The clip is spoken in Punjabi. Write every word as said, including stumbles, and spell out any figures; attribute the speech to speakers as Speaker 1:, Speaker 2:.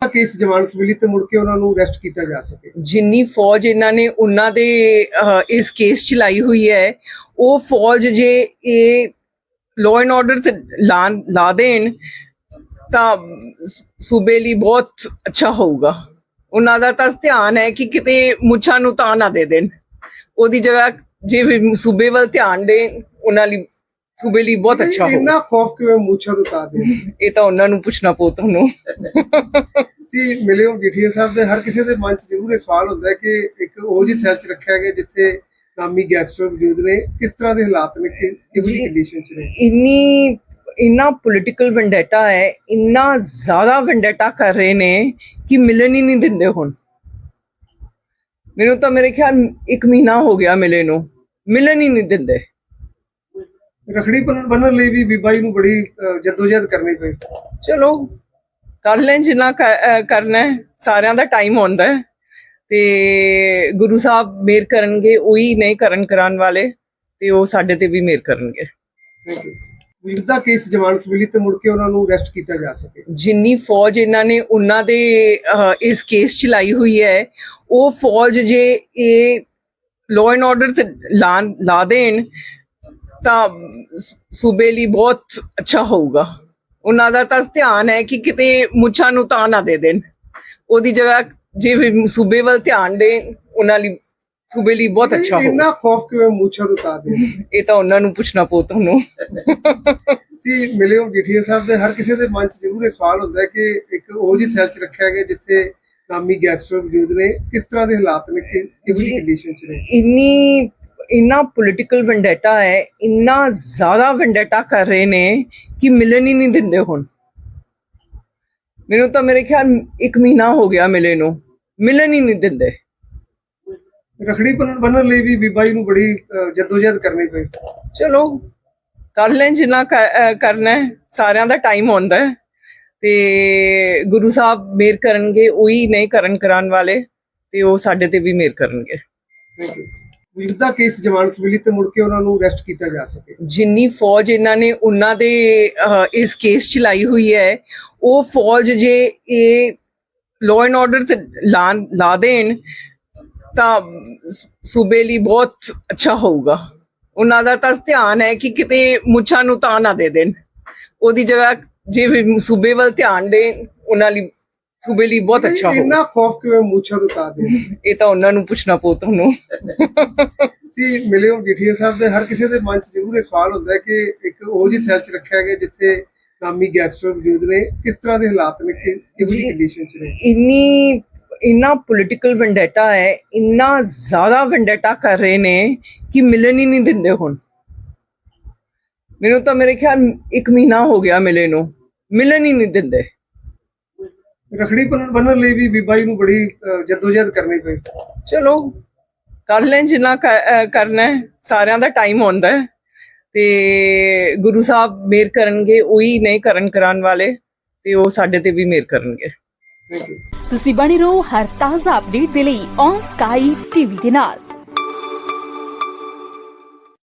Speaker 1: ਕੇਸ ਜ਼ਮਾਨਤ ਮਿਲੀ ਤੇ ਮੁੜ ਕੇ ਉਹਨਾਂ ਨੂੰ ਅਰੈਸਟ ਕੀਤਾ ਜਾ ਸਕੇ।
Speaker 2: ਜਿੰਨੀ ਫੌਜ ਇਹਨਾਂ ਨੇ ਉਹਨਾਂ ਦੇ ਇਸ ਕੇਸ ਚ ਲਾਈ ਹੋਈ ਹੈ, ਉਹ ਫੌਜ ਜੇ ਇਹ ਲਾਅ ਐਂਡ ਆਰਡਰ ਤੇ ਲਾ ਲਾ ਦੇਣ ਤਾਂ ਸੂਬੇ ਲਈ ਬਹੁਤ ਅੱਛਾ ਹੋਊਗਾ। ਉਹਨਾਂ ਦਾ ਤਾਂ ਧਿਆਨ ਹੈ ਕਿ ਕਿਤੇ ਮੁੱਛਾਂ ਨੂੰ ਤਾਂ ਨਾ ਦੇ ਦੇਣ, ਉਹਦੀ ਜਗ੍ਹਾ ਜੇ ਸੂਬੇ ਵੱਲ ਧਿਆਨ ਦੇਣ ਉਹਨਾਂ ਲਈ ਸੂਬੇ ਲਈ ਬਹੁਤ ਅੱਛਾ ਹੋਊਗਾ।
Speaker 1: ਇੰਨਾ ਖੌਫ ਕਿਵੇਂ ਮੁੱਛਾਂ ਤੋਂ ਤਾਂ ਦੇ?
Speaker 2: ਇਹ ਤਾਂ ਉਹਨਾਂ ਨੂੰ ਪੁੱਛਣਾ ਪਊ ਤੁਹਾਨੂੰ।
Speaker 1: ਸੀ ਮਿਲੇ ਹੋ ਜੀਠੀਆ ਸਾਹਿਬ ਦੇ, ਹਰ ਕਿਸੇ ਦੇ ਮਨ 'ਚ ਜ਼ਰੂਰ ਇਹ ਸਵਾਲ ਹੁੰਦਾ ਹੈ ਕਿ ਇੱਕ ਉਹ ਜਿਹੀ ਸੈਲ 'ਚ ਰੱਖਿਆ ਗਿਆ ਜਿੱਥੇ ਨਾਮੀ ਗੈਂਗਸਟਰ ਮੌਜੂਦ ਨੇ, ਕਿਸ ਤਰ੍ਹਾਂ ਦੇ ਹਾਲਾਤ ਨੇ, ਕਿਹੜੀ ਕੰਡੀਸ਼ਨ 'ਚ ਨੇ?
Speaker 2: ਇੰਨੀ ਇੰਨਾ ਪੋਲੀਟੀਕਲ ਵੈਂਡੇਟਾ ਹੈ, ਇੰਨਾ ਜ਼ਿਆਦਾ ਵੈਂਡੇਟਾ ਕਰ ਰਹੇ ਨੇ ਕਿ ਮਿਲਣ ਹੀ ਨਹੀਂ ਦਿੰਦੇ। ਹੁਣ ਮੈਨੂੰ ਤਾਂ ਮੇਰੇ ਖਿਆਲ ਇੱਕ ਮਹੀਨਾ ਹੋ ਗਿਆ ਮਿਲੇ ਨੂੰ, ਮਿਲਣ ਹੀ ਨਹੀਂ ਦਿੰਦੇ।
Speaker 1: ਰਖੜੀ ਬੰਨਣ ਲਈ ਵੀ ਬੀਬਾ ਜੀ ਨੂੰ ਬੜੀ ਜਦੋਜਹਿਦ ਕਰਨੀ ਪਈ।
Speaker 2: ਚਲੋ ਕਰ ਲੈਣ ਜਿੰਨਾ ਕਰਨਾ ਹੈ, ਸਾਰਿਆਂ ਦਾ ਟਾਈਮ ਆਉਂਦਾ ਹੈ ਤੇ ਗੁਰੂ ਸਾਹਿਬ ਮਿਹਰ ਕਰਨਗੇ, ਉਹੀ ਨਹੀਂ ਕਰਨ ਕਰਾਉਣ ਵਾਲੇ, ਤੇ ਉਹ ਸਾਡੇ ਤੇ ਵੀ ਮਿਹਰ ਕਰਨਗੇ।
Speaker 1: Thank you. ਵੀਰ ਦਾ ਕੇਸ ਜ਼ਮਾਨਤ ਮਿਲੀ ਤੇ ਮੁੜ ਕੇ ਉਹਨਾਂ ਨੂੰ ਅਰੈਸਟ ਕੀਤਾ ਜਾ ਸਕੇ।
Speaker 2: ਜਿੰਨੀ ਫੌਜ ਇਹਨਾਂ ਨੇ ਉਹਨਾਂ ਦੇ ਇਸ ਕੇਸ ਚ ਲਾਈ ਹੋਈ ਹੈ, ਉਹ ਫੌਜ ਜੇ ਇਹ ਲਾਅ ਐਂਡ ਆਰਡਰ ਤੇ ਲਾ ਲਾ ਦੇਣ ਤਾਂ ਸੂਬੇ ਲਈ ਬਹੁਤ ਅੱਛਾ ਹੋਊਗਾ। ਉਹਨਾਂ ਦਾ ਤਾਂ ਧਿਆਨ ਹੈ ਕਿ ਕਿਤੇ ਮੁੱਛਾਂ ਨੂੰ ਤਾਂ ਨਾ ਦੇ ਦੇਣ, ਉਹਦੀ ਜਗ੍ਹਾ ਜੇ ਸੂਬੇ ਵੱਲ ਧਿਆਨ ਦੇਣ ਉਹਨਾਂ ਲਈ ਸੂਬੇ ਲਈ ਬਹੁਤ ਅੱਛਾ ਹੋਊਗਾ।
Speaker 1: ਇੰਨਾ ਖੌਫ ਕਿਵੇਂ ਮੁੱਛਾਂ ਤੋਂ ਤਾਂ ਦੇ?
Speaker 2: ਇਹ ਤਾਂ ਉਹਨਾਂ ਨੂੰ ਪੁੱਛਣਾ ਪਊ ਤੁਹਾਨੂੰ।
Speaker 1: ਸੀ ਮਿਲੇ ਹੋ ਜੀਠੀਆ ਸਾਹਿਬ ਦੇ, ਹਰ ਕਿਸੇ ਦੇ ਮਨ 'ਚ ਜ਼ਰੂਰ ਇਹ ਸਵਾਲ ਹੁੰਦਾ ਹੈ ਕਿ ਇੱਕ ਉਹ ਜਿਹੀ ਸੈਲ 'ਚ ਰੱਖਿਆ ਗਿਆ ਜਿੱਥੇ ਨਾਮੀ ਗੈਂਗਸਟਰ ਮੌਜੂਦ ਨੇ, ਕਿਸ ਤਰ੍ਹਾਂ ਦੇ ਹਾਲਾਤ ਨੇ, ਕਿਹੜੀ ਕੰਡੀਸ਼ਨ 'ਚ ਨੇ?
Speaker 2: ਇੰਨੀ ਇੰਨਾ ਪੋਲੀਟੀਕਲ ਵੈਂਡੇਟਾ ਹੈ, ਇੰਨਾ ਜ਼ਿਆਦਾ ਵੈਂਡੇਟਾ ਕਰ ਰਹੇ ਨੇ ਕਿ ਮਿਲਣ ਹੀ ਨਹੀਂ ਦਿੰਦੇ। ਹੁਣ ਮੈਨੂੰ ਤਾਂ ਮੇਰੇ ਖਿਆਲ ਇੱਕ ਮਹੀਨਾ ਹੋ ਗਿਆ ਮਿਲੇ ਨੂੰ, ਮਿਲਣ ਹੀ ਨਹੀਂ ਦਿੰਦੇ।
Speaker 1: ਰਖੜੀ ਬੰਨਣ ਲਈ ਵੀ ਬੀਬਾ ਜੀ ਨੂੰ ਬੜੀ ਜਦੋਜਹਿਦ ਕਰਨੀ ਪਈ।
Speaker 2: ਚਲੋ ਕਰ ਲੈਣ ਜਿੰਨਾ ਕਰਨਾ ਹੈ, ਸਾਰਿਆਂ ਦਾ ਟਾਈਮ ਆਉਂਦਾ ਹੈ ਤੇ ਗੁਰੂ ਸਾਹਿਬ ਮਿਹਰ ਕਰਨਗੇ, ਉਹੀ ਨਹੀਂ ਕਰਨ ਕਰਾਉਣ ਵਾਲੇ, ਤੇ ਉਹ ਸਾਡੇ ਤੇ ਵੀ ਮਿਹਰ ਕਰਨਗੇ।
Speaker 1: Thank you. ਵੀਰ ਦਾ ਕੇਸ ਜ਼ਮਾਨਤ ਮਿਲੀ ਤੇ ਮੁੜ ਕੇ ਉਹਨਾਂ ਨੂੰ ਅਰੈਸਟ ਕੀਤਾ ਜਾ ਸਕੇ।
Speaker 2: ਜਿੰਨੀ ਫੌਜ ਇਹਨਾਂ ਨੇ ਉਹਨਾਂ ਦੇ ਇਸ ਕੇਸ ਚ ਲਾਈ ਹੋਈ ਹੈ, ਉਹ ਫੌਜ ਜੇ ਇਹ ਲਾਅ ਐਂਡ ਆਰਡਰ ਤੇ ਲਾ ਲਾ ਦੇਣ ਤਾਂ ਸੂਬੇ ਲਈ ਬਹੁਤ ਅੱਛਾ ਹੋਊਗਾ। ਉਹਨਾਂ ਦਾ ਤਾਂ ਧਿਆਨ ਹੈ ਕਿ ਕਿਤੇ ਮੁੱਛਾਂ ਨੂੰ ਤਾਂ ਨਾ ਦੇ ਦੇਣ, ਉਹਦੀ ਜਗ੍ਹਾ ਜੇ ਸੂਬੇ ਵੱਲ ਧਿਆਨ ਦੇਣ ਉਹਨਾਂ ਲਈ ਸੂਬੇ ਲਈ ਬਹੁਤ ਅੱਛਾ ਹੋਊਗਾ।
Speaker 1: ਇੰਨਾ ਖੌਫ ਕਿਵੇਂ ਮੁੱਛਾਂ ਤੋਂ ਤਾਂ ਦੇ?
Speaker 2: ਇਹ ਤਾਂ ਉਹਨਾਂ ਨੂੰ ਪੁੱਛਣਾ ਪਊ ਤੁਹਾਨੂੰ।
Speaker 1: ਸੀ ਮਿਲੇ ਹੋ ਜੀਠੀਆ ਸਾਹਿਬ ਦੇ, ਹਰ ਕਿਸੇ ਦੇ ਮਨ 'ਚ ਜ਼ਰੂਰ ਇਹ ਸਵਾਲ ਹੁੰਦਾ ਹੈ ਕਿ ਇੱਕ ਉਹ ਜਿਹੀ ਸੈਲ 'ਚ ਰੱਖਿਆ ਗਿਆ ਜਿੱਥੇ ਨਾਮੀ ਗੈਂਗਸਟਰ ਮੌਜੂਦ ਨੇ, ਕਿਸ ਤਰ੍ਹਾਂ ਦੇ ਹਾਲਾਤ ਨੇ, ਕਿਹੜੀ ਕੰਡੀਸ਼ਨ 'ਚ ਨੇ?
Speaker 2: ਇੰਨੀ ਇੰਨਾ ਪੋਲੀਟੀਕਲ ਵੈਂਡੇਟਾ ਹੈ, ਇੰਨਾ ਜ਼ਿਆਦਾ ਵੈਂਡੇਟਾ ਕਰ ਰਹੇ ਨੇ ਕਿ ਮਿਲਣ ਹੀ ਨਹੀਂ ਦਿੰਦੇ। ਹੁਣ ਮੈਨੂੰ ਤਾਂ ਮੇਰੇ ਖਿਆਲ ਇੱਕ ਮਹੀਨਾ ਹੋ ਗਿਆ ਮਿਲੇ ਨੂੰ, ਮਿਲਣ ਹੀ ਨਹੀਂ ਦਿੰਦੇ।
Speaker 1: ਰਖੜੀ ਬੰਨਣ ਲਈ ਵੀ ਬੀਬਾ ਜੀ ਨੂੰ ਬੜੀ ਜਦੋਜਹਿਦ ਕਰਨੀ ਪਈ।
Speaker 2: ਚਲੋ ਕਰ ਲੈਣ ਜਿੰਨਾ ਕਰਨਾ ਹੈ, ਸਾਰਿਆਂ ਦਾ ਟਾਈਮ ਆਉਂਦਾ ਹੈ ਤੇ ਗੁਰੂ ਸਾਹਿਬ ਮਿਹਰ ਕਰਨਗੇ, ਉਹੀ ਨਹੀਂ ਕਰਨ ਕਰਾਉਣ ਵਾਲੇ, ਤੇ ਉਹ ਸਾਡੇ ਤੇ ਵੀ ਮਿਹਰ ਕਰਨਗੇ।
Speaker 1: Thank you.
Speaker 3: ਤੁਸੀਂ ਬਣੇ ਰਹੋ ਹਰ ਤਾਜ਼ਾ ਅਪਡੇਟ ਦੇ ਲਈ ਔਨ ਸਕਾਈ ਟੀਵੀ ਦੇ ਨਾਲ।